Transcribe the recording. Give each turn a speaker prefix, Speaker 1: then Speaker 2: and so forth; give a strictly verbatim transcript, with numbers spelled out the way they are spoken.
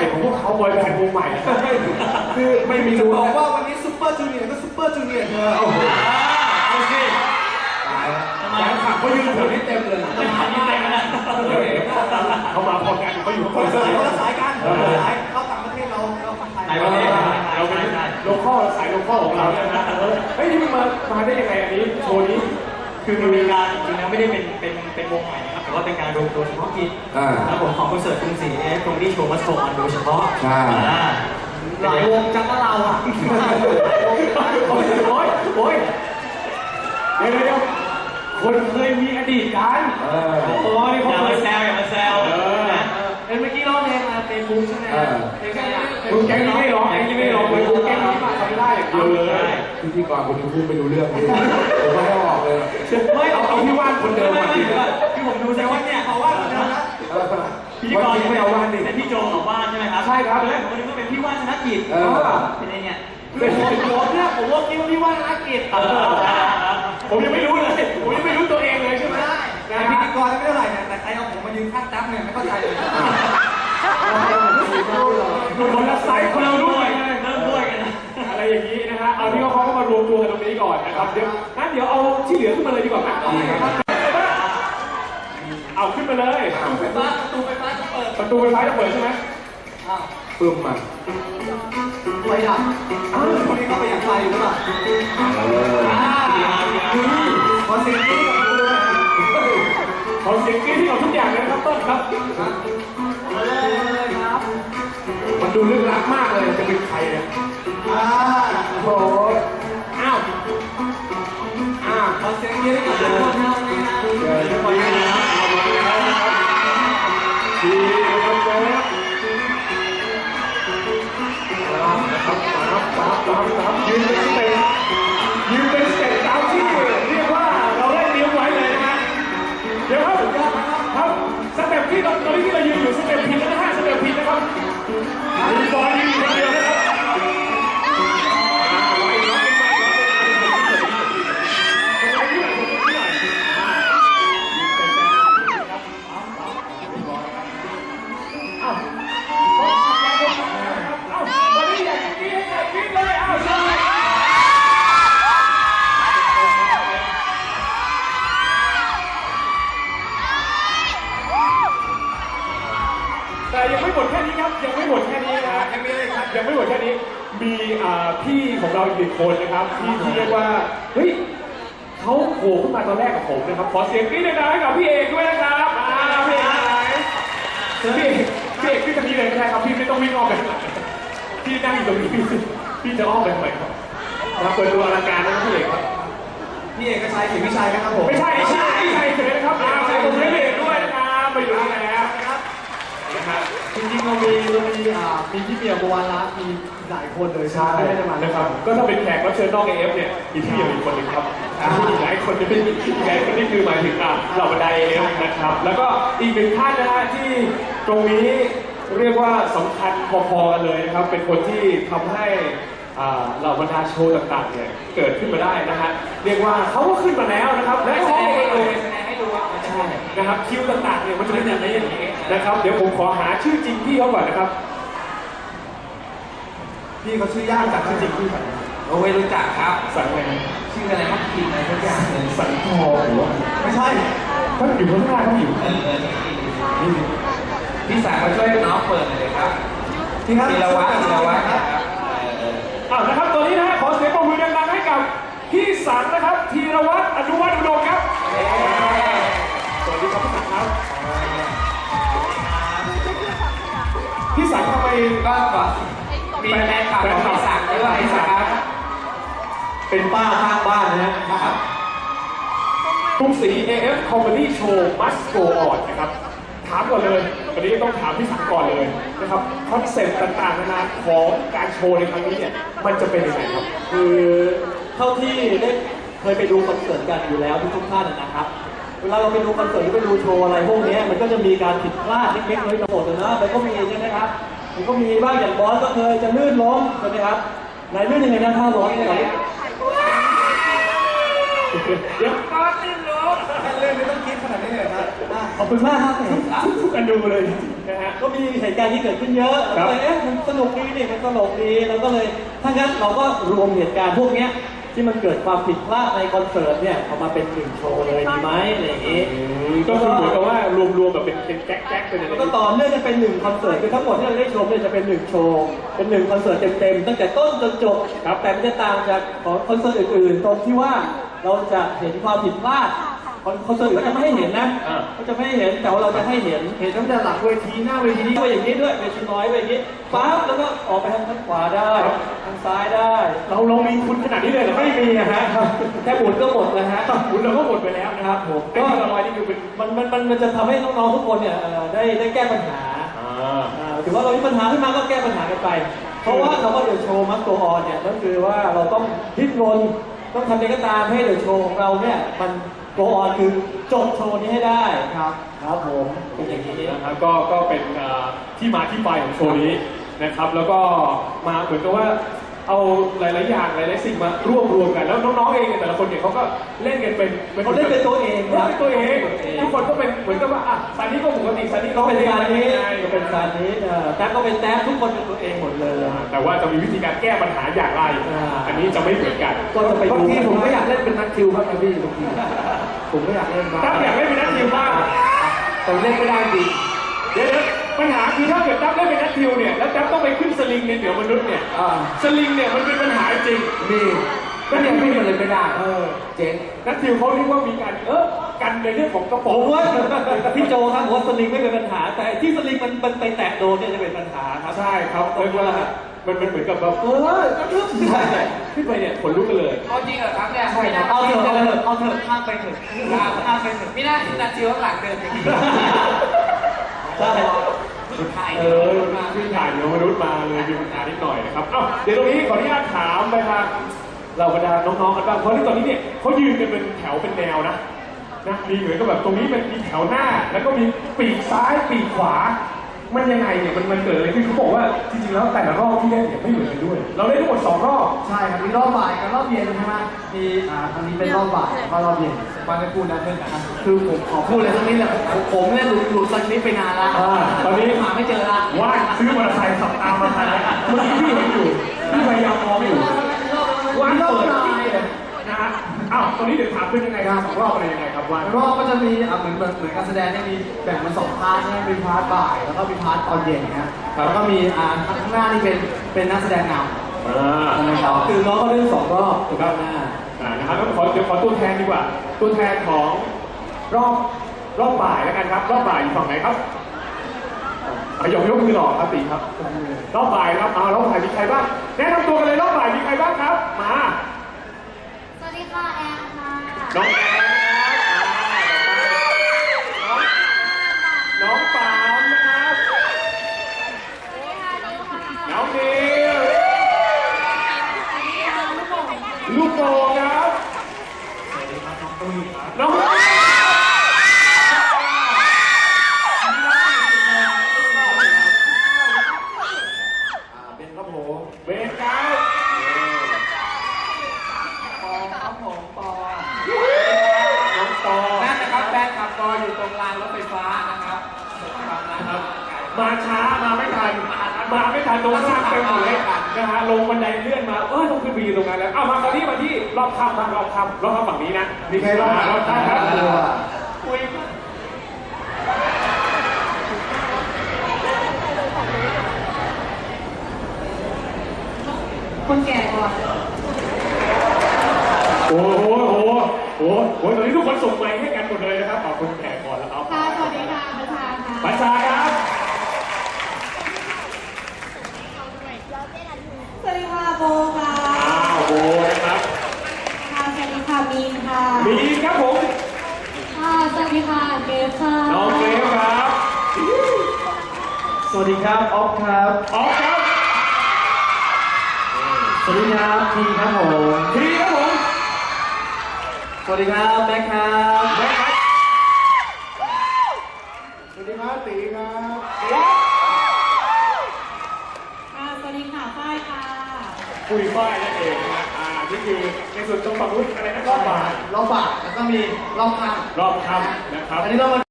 Speaker 1: ม่ของพวกเขาบอยแบนด์วงใหม่คือไม่มีรู้
Speaker 2: บอกว่าวันนี้ซุปเปอร์จูเนียร์ก็ซุปเปอร์จูเนียร์เธอโอ้โห
Speaker 1: เอาสิตายแล้วแฟนคลับเขายืนแถวนี้เต็มเลย
Speaker 3: ไม่ทันนี่เต็มแล้ว
Speaker 1: เขามาพอกันเขาอยู่
Speaker 2: คนละสายคนละสายกันคนละสายเข้าต่างประเทศเราเราคนไทย
Speaker 1: เราเราเป็นโลคอลสายโลคอลของเราเนี่ยนะเฮ้ยนี่มันมามาได้ยังไงอันนี้โชว์นี้
Speaker 3: คือมันเป็นการจริงๆไม่ได้เป็นเป็นเป็นวงใหม่นะครับแต่ว่าเป็นการรวมตัวเฉพาะกิจแล้วผมของคอนเสิร์ตกรุงศรีเอฟตรงที่โชว์มัสโตอนโดยเฉพาะ
Speaker 1: ใช่
Speaker 2: หลายวงจังก็เราอ่ะ
Speaker 1: โอ้ยโอ้ยโอ้ยเดี๋ยวเดี๋ยวคนเคยมีอดีตกัน
Speaker 3: โอ้ยอย่ามาแซวอย่ามาแซว
Speaker 2: เมื่อกี้ร้องเพลงมาเป็นบุ๊กใช่ไหมเพลงอะไร
Speaker 1: คุณแก๊งนี้ไม่ร้องแก๊งนี้ไม่ร้องเลยคุณแก๊งนี้มาทำได้อย่างเดียวเลยพิธีกรคนนี้พูดไม่รู้เรื่องเลยผมไม่ออกเลยไม่เอาเอาที่ว่านคนเดิมมาดิ
Speaker 3: ที่ผมดูใช่ว่าเนี่ย
Speaker 2: เขาว่าคนเดิมนะ
Speaker 3: พิธีกรไม่เอาว่านดิเป็นพี่โจของบ้านใช่ไหมครับ
Speaker 1: ใช่ครับ
Speaker 3: เลยผมนึกว่าเป็นพี่ว่านธนกิจเป็นไงเนี่ย
Speaker 2: ผมผมเนี่ยผมว่าคิดว่าพี่ว่านธนกิจ
Speaker 1: ผมยังไม่รู้เลยผมยังไม่รู้ตัวเองเลยใช่ไหม
Speaker 2: พิธีกรไม่เท่าไหร่แต่ใครเอาผมมายืนข้างตั้มเนี่ยไม่เข้าใจเลย
Speaker 1: คนละไซส์คนละรุ่น
Speaker 3: เริ่มด้วยกัน
Speaker 1: อะไรอย่างนี้นะฮะเอาที่เขาเขามารวมตัวกันตรงนี้ก่อนนะครับเดี๋ยวงั้นเดี๋ยวเอาที่เหลือขึ้นมาเลยดีกว่าไหมเอาขึ้นมาเลย
Speaker 2: ประตูไฟฟ้าประตูไฟฟ้าจะเปิด
Speaker 1: ประตูไฟฟ้าจะเปิดใช่ไหมปึ้มมา
Speaker 2: ไฟดับคนนี้เข้าไปอย่างไฟอยู่หรือเปล่าขอเสียงที่กับคุณด้วย
Speaker 1: ขอเสียงที่กับทุกอย่างเลยครับต้นครับมันดูลึกลับมากเลยจะเป็นใครเนี่ยโอ้โหอ้าวอ้าว
Speaker 2: ขอเสียงที่กับทุกคนนะวันนี้นะ
Speaker 1: เดี๋ยวจะไปนะเอามาแล้วนะครับทีนะครับเจ๊ครับครับครับครับยืนเป็นสเต็ปยืนเป็นสเต็ปตามที่เรียกว่าเราได้เตรียมไว้เลยนะฮะเดี๋ยวครับครับสเต็ปที่ตอนนี้ที่เรายืนอยู่สเต็ปผิดนะฮะสเต็ปผิดนะครับมีบอลยืนคนเดียวนะครับแต่ยังไม่หมดแค่นี้ครับยังไม่หมดแค่นี้นะยังไม่ครับยังไม่หมดแค่นี้มีพี่ของเราอีกหนึ่งคนนะครับที่ที่เรียกว่าเฮ้ยเขาโผล่ขึ้นมาตอนแรกกับผมนะครับขอเสียงกรี๊ดดังๆให้กับพี่เอกด้วยนะครับพี่เอกพี่เอกพี่เอกขึ้นทางนี้เลยก็ได้ครับพี่ไม่ต้องวิ่งอ้อมไปพี่นั่งอยู่ตรงนี้พี่จะอ้อมไปทำไมครับมาเปิดตัวอลังการนะครับพี่เอกครับ
Speaker 2: พี่เอกก็ใช้สิไม่ใช่นะครับผม
Speaker 1: ไม่ใช่ไม่ใช่ไม่ใช่เลยนะครับใส่ผมพี่เอกด้วยนะครับไปอยู่ที่ไหนแล้ว
Speaker 2: จริงๆเรามีเรามีอ่ามีพี่เบียร์บัวรัตน์มีหลายคนเลย
Speaker 1: ใช่นะครับก็ถ้าเป็นแขกรับเชิญนอกเอฟเนี่ยมีพี่เบียร์อีกคนหนึ่งครับมีหลายคนจะเป็นหลายคนนี่คือหมายถึงเหล่าบรรดาเอฟนะครับแล้วก็อีกหนึ่งท่านนะฮะที่ตรงนี้เรียกว่าสำคัญพอๆกันเลยนะครับเป็นคนที่ทำให้เหล่าบรรดาโชว์ต่างๆเนี่ยเกิดขึ้นมาได้นะฮะเรียกว่าเขาก็ขึ้นมาแล้วนะครับและแสดงให้เลยใช่นะครับคิวต่างๆเนี่ยมันจะเป็นอย่างนี้นะครับเดี๋ยวผมขอหาชื่อจริงพี่เขาก่อนนะครับ
Speaker 2: พี่เขาชื่อยากจากชื่อจริงพี่
Speaker 3: โอ้ยรู้จักครับ
Speaker 1: สันอะไร
Speaker 3: ชื่ออะไรครับกินอะไรทุกอย่างเลย
Speaker 1: สันทองหรือว่า
Speaker 2: ไม่ใช่
Speaker 1: เขาอยู่ข้างหน้าเขาอยู่
Speaker 3: พี่สาวมาช่วยน้องเปิดเลยครับ
Speaker 2: ที่ครับ
Speaker 3: ธีรวัฒน์ธีรวัฒน์ครับ
Speaker 1: อ้าวนะครับตอนนี้นะฮะขอเสียงปรบมือดังๆให้กับพี่สันนะครับธีรวัฒน์อนุวัฒน์อุดมครับสวัสดีครับพี่สันครับพี่สันทำไม
Speaker 3: ก็ก่อนมีแฟนคลับของพี่สันด้วยนะครับ
Speaker 1: เป็นป้าข้างบ้านนะครับกรุงศรี เอ เอฟ Comedy Show Must Go On นะครับถามก่อนเลยวันนี้ต้องถามพี่สันก่อนเลยนะครับคอนเซ็ปต์ต่างๆนานาของการโชว์ในครั้งนี้เนี่ยมันจะเป็นยังไงครับ
Speaker 4: คือเท่าที่ได้เคยไปดูคอนเสิร์ตกันอยู่แล้วทุกท่านนะครับเวลาเราไปดูคอนเสิร์ตหรือไปดูโชว์อะไรพวกนี้มันก็จะมีการผิดพลาดเล็กๆน้อยๆนะมันก็มีใช่ไหมครับมันก็มีบ้างอย่างบอสก็เคยจะลื่นล้มใช่ไหมครับไหนลื่นยังไงนะท่าร้อนยังไง
Speaker 1: เดี๋ยวก็ตื่นรู้
Speaker 2: แค่เล่นไม่ต้องคิดขนาดนี้เลยนะอ่ะ
Speaker 4: ขอบคุณมากครับ
Speaker 1: ทุกกันดูเลยนะฮะ
Speaker 4: ก็มีเหตุการณ์ที่เกิดขึ้นเยอะ
Speaker 1: ครั
Speaker 4: เรา
Speaker 1: บ
Speaker 4: ก็เลยเอ๊ะมันสนุกดีนี่มันตลกดีเราก็เลยถ้างั้นเราก็รวมเหตุการณ์พวกเนี้ยที่มันเกิดความผิดพลาดในคอนเสิร์ตเนี่ยเอามาเป็นหนึ่งโชว์เลยดีไหมอะไรอย่างงี้
Speaker 1: ก็คือเหมือนกับว่ารวมๆแบบเป็นเป็นแก๊กๆเป็นอะไร
Speaker 4: แล้วก็ต่อเนื่องกันเป็นหนึ่งคอนเสิร์ตคือทั้งหมดที่เราได้ชมเนี่ยจะเป็นหนึ่งโชว์เป็นหนึ่งคอนเสิร์ตเต็มๆตั้งแต่ต้นจนจบครับแต่มันจะต่างจากของคอนเสิร์ตอื่นๆตรงที่ว่าเราจะเห็นความผิดพลาดคอนคอนเสิร์ตอื่นก็จะไม่ให้เห็นนะก็จะไม่ให้เห็นแต่ว่าเราจะให้เห็นเห็นตั้งแต่หลังเวทีหน้าเวทีด้วยอย่างนี้ด้วยเวทีน้อยเวทีปั๊บแล้วก็ออกไปทางทางขวาได้ทางซ้ายได้
Speaker 1: เราเรามีทุนขนาดนี้เลยเหรอ
Speaker 4: ไม่มีนะฮะแค่หมุนก็หมดแล้วฮะ
Speaker 1: ทุนเราก็หมดไปแล้วนะครับ
Speaker 4: ผม
Speaker 1: ก็
Speaker 4: ก็
Speaker 1: ที่เราไว้นี่คือเป็น
Speaker 4: มันมันมันมันจะทำให้น้องๆทุกคนเนี่ยเอ่อได้ได้แก้ปัญหา
Speaker 1: อ่า
Speaker 4: อ่าถือว่าเรามีปัญหาขึ้นมาก็แก้ปัญหากันไป เพราะว่าคำว่าเดอะโชว์มัสโกออนเนี่ยก็คือว่าเราต้องดิ้นรนต้องทำยังไงก็ตามให้เดอะโชว์ของเราเนี่ยมันโกออนคือจบโชว์นี้ให้ได้ครับครับผมเป็นอย่างนี้
Speaker 1: นะครับก็ก็เป็นอ่าที่มาที่ไปของโชว์นี้นะครับ แล้วก็มาเหมือนกับว่าเอาหลายๆอย่างหลายๆสิ่งมารวบรวมกันแล้วน้องๆเองเนี่ยแต่ละคนเนี่ยเขาก็เล่นกันเป็น
Speaker 4: เขาเล่นเป็นตัวเอง
Speaker 1: เล่นเป็นตัวเองทุกคนก็เป็นเหมือนกับว่าอ่ะซานี้ก็ปกติซานี้
Speaker 4: ก็เป็นการนี้
Speaker 1: ไง
Speaker 4: ก็เป็นการนี้เอ่อแท็กก็เป็นแท็กทุกคนเป็นตัวเองหมดเลย
Speaker 1: แต่ว่าจะมีวิธีการแก้ปัญหาอย่างไร
Speaker 4: อ่า
Speaker 1: อันนี้จะไม่เหมือนกัน
Speaker 4: ก็จะไป
Speaker 2: บาง
Speaker 4: ดู
Speaker 2: ทีผมก็อยากเล่นเป็นนักคิวครับพี่บางทีผมก็อยากเล่นบ้าง
Speaker 1: ถ้าอยากเล่นเป็นนักทิวบ้าง
Speaker 2: แต่เล่นไม่ได้จริง
Speaker 1: เดี๋ยวๆปัญหาคือถ้าเกิดดับเล่นเป็นนักทิวเนี่ยแล้วดับต้องไปขึ้นสลิงในเหนือมนุษย์เนี่ย
Speaker 2: อ่า
Speaker 1: สลิงเนี่ยมันเป็นปัญหาจริง
Speaker 2: มีก็ยังพี่มันเลยไม่ได้
Speaker 1: เออ
Speaker 2: เจ๊ง
Speaker 1: นักทิวเขาเรียกว่ามีการเออกันในเรื่องของกระ
Speaker 4: ผ
Speaker 1: โปรง
Speaker 4: มว่าพี่โจครับผมว่าสลิงไม่เป็นปัญหา แต่ที่สลิงมันมันไปแตะโดนเนี่ยจะเป็นปัญหาครับ
Speaker 1: ใช่ครับเรียกว่ามันมันเหมือนกับแบบเออกระทึบใช่ขึ้นไปเนี่ยขนลุกกันเลย
Speaker 5: เอาจริงเหรอครับเนี่ย
Speaker 1: ใช่ครับ
Speaker 4: เอาเถอะเอาเถอะเอาเถอะข้ามไปเถอะ
Speaker 5: ข้ามไปเถอะไม่น่าที่นาจิวข้างหลังเดินอย่างนี้
Speaker 4: ใช่
Speaker 5: ถ่าย
Speaker 1: เออขึ้นถ่ายเหนือมนุษย์มาเลยมีปัญหานิดหน่อยนะครับเอ้าเดี๋ยวตรงนี้ขออนุญาตถามไปทางเราบรรดาน้องๆกันบ้างเพราะที่ตอนนี้เนี่ยเขายืนกันเป็นแถวเป็นแนวนะนะมีเหมือนกับแบบตรงนี้เป็นมีแถวหน้า แล้วก็มีปีกซ้ายปีกขวา มันยังไงเนี่ยมันมันเกิดอะไรขึ้นเขาบอกว่าจริงๆแล้วแต่ละรอบที่เล่นเนี่ยไม่เหมือนกันด้วย เราเล่นทั้งหมดสองรอบ
Speaker 2: ใช่ครับมีรอบบ่ายกับรอบเย็นใช่ไหมมีอ่าทางนี้เป็นรอบบ่ายก็รอบเย็นฟังได้พูดนะเพื่อนนะคือผมขอพูดเลยสักนิดแหละผมผมเนี่ยหลุดหลุดสักนิดไปนานละ
Speaker 1: อ่าตอนนี้
Speaker 2: หาไม่เจอละ
Speaker 1: ว่างซื้อมอเตอร์ไซค์ขับตามมาทันแล้วเมื่อกี้พี่เห็นอยู่พี่พยายามมองอยู่ว่างเปิดนะฮะอ้าวตอนนี้เดี๋ยวถามเป็นยังไงครับสองรอบอะไรยังไงครับว่าง
Speaker 2: รอบก็จะมีอ่ะเหมือนเหมือนเหมือนการแสดงเนี่ยมีแบ่งเป็นสองพาร์ทใช่ไหมเป็นพาร์ทบ่ายแล้วก็มีพาร์ทตอนเย็นนะฮะแล้วก็มีอ่าข้างหน้านี่เป็นเป็นนักแสดงนำ
Speaker 1: อ่า
Speaker 2: นะครับ
Speaker 4: คือน้องเขาเล่นสองรอบถูกไหมหน้า
Speaker 1: อ่านะครับงั้นขอเดี๋ยวขอตัวแทนดีกว่า ตัวแทนของรอบรอบบ่ายแล้วกันครับ รอบบ่ายอยู่ฝั่งไหนครับอ่ะยกยกมือหล่อครับตีครับ รอบบ่ายครับเอารอบบ่ายมีใครบ้างแนะนำตัวกันเลยรอบบ่ายมีใครบ้างครับ มา
Speaker 6: สวัสดีค่ะแอนค่ะ
Speaker 1: น้องแอนนะครับน้องปามนะครับ
Speaker 6: สวัสดีค่ะนิวค่ะ
Speaker 1: น้องนิว
Speaker 6: สวัสดีค่ะลูกโป่งค่ะ
Speaker 1: ลูกโป่งครับน้อง
Speaker 2: เป็นครับผม
Speaker 1: เบนครับ
Speaker 5: ปอครับผมปอ
Speaker 1: น้องปอ
Speaker 5: นั่นนะครับแฟนขับปออยู่ตรงรางรถไฟฟ้านะครับฝั่งนั้นครับ
Speaker 1: มาช้ามาไม่ทันมาไม่ทันตรงข้างเต็มหมดเลยนะฮะลงบันไดเลื่อนมาเออต้องขึ้นไปยืนตรงนั้นแล้วเอามาคราวนี้มาที่รอบคำมารอบคำรอบคำฝั่งนี้นะ
Speaker 2: มีใครบ้าง
Speaker 1: รอบคำครับ
Speaker 5: คุย
Speaker 6: คนแก่ก่อน
Speaker 1: โอ้โหโอ้โหโอ้โหโอ้โหตอนนี้ทุกคนส่งไมค์ให้กันหมดเลยนะครับเอาคนแก่ก่อนแล้วเอา
Speaker 6: ค่ะสวัสดีค่ะประชาค่ะ
Speaker 1: ปัญชาครับ
Speaker 6: สวัสดีค่ะโบค่ะ
Speaker 1: อ้าวโบนะครับ
Speaker 6: ค่ะสวัสดีค่ะมีนค่ะ
Speaker 1: มีครับผม
Speaker 6: ค่ะสวัสดีค่ะเกฟค่ะ
Speaker 1: น้องเกรฟครับ
Speaker 4: สวัสดีครับออฟครับ
Speaker 1: ออฟครับ
Speaker 4: สวัสดีครับทีครับผม
Speaker 1: ทีครับผม
Speaker 4: สวัสดีครับแม็กครับ
Speaker 1: แม็กครับ
Speaker 2: สวัสดีครับตีครับ
Speaker 1: ครับ
Speaker 6: ค่ะสวัสดีค่ะฝ้ายค่ะ
Speaker 1: คุยฝ้ายนั่นเองนะอ่าทนี่คือในส่วนตรงฝั่งนู้นอะไรนะรอบบ่าย
Speaker 2: รอบบ่ายแล้วก็มีรอบค่ำ
Speaker 1: รอบค่ำนะครับ
Speaker 2: อันนี้เรามา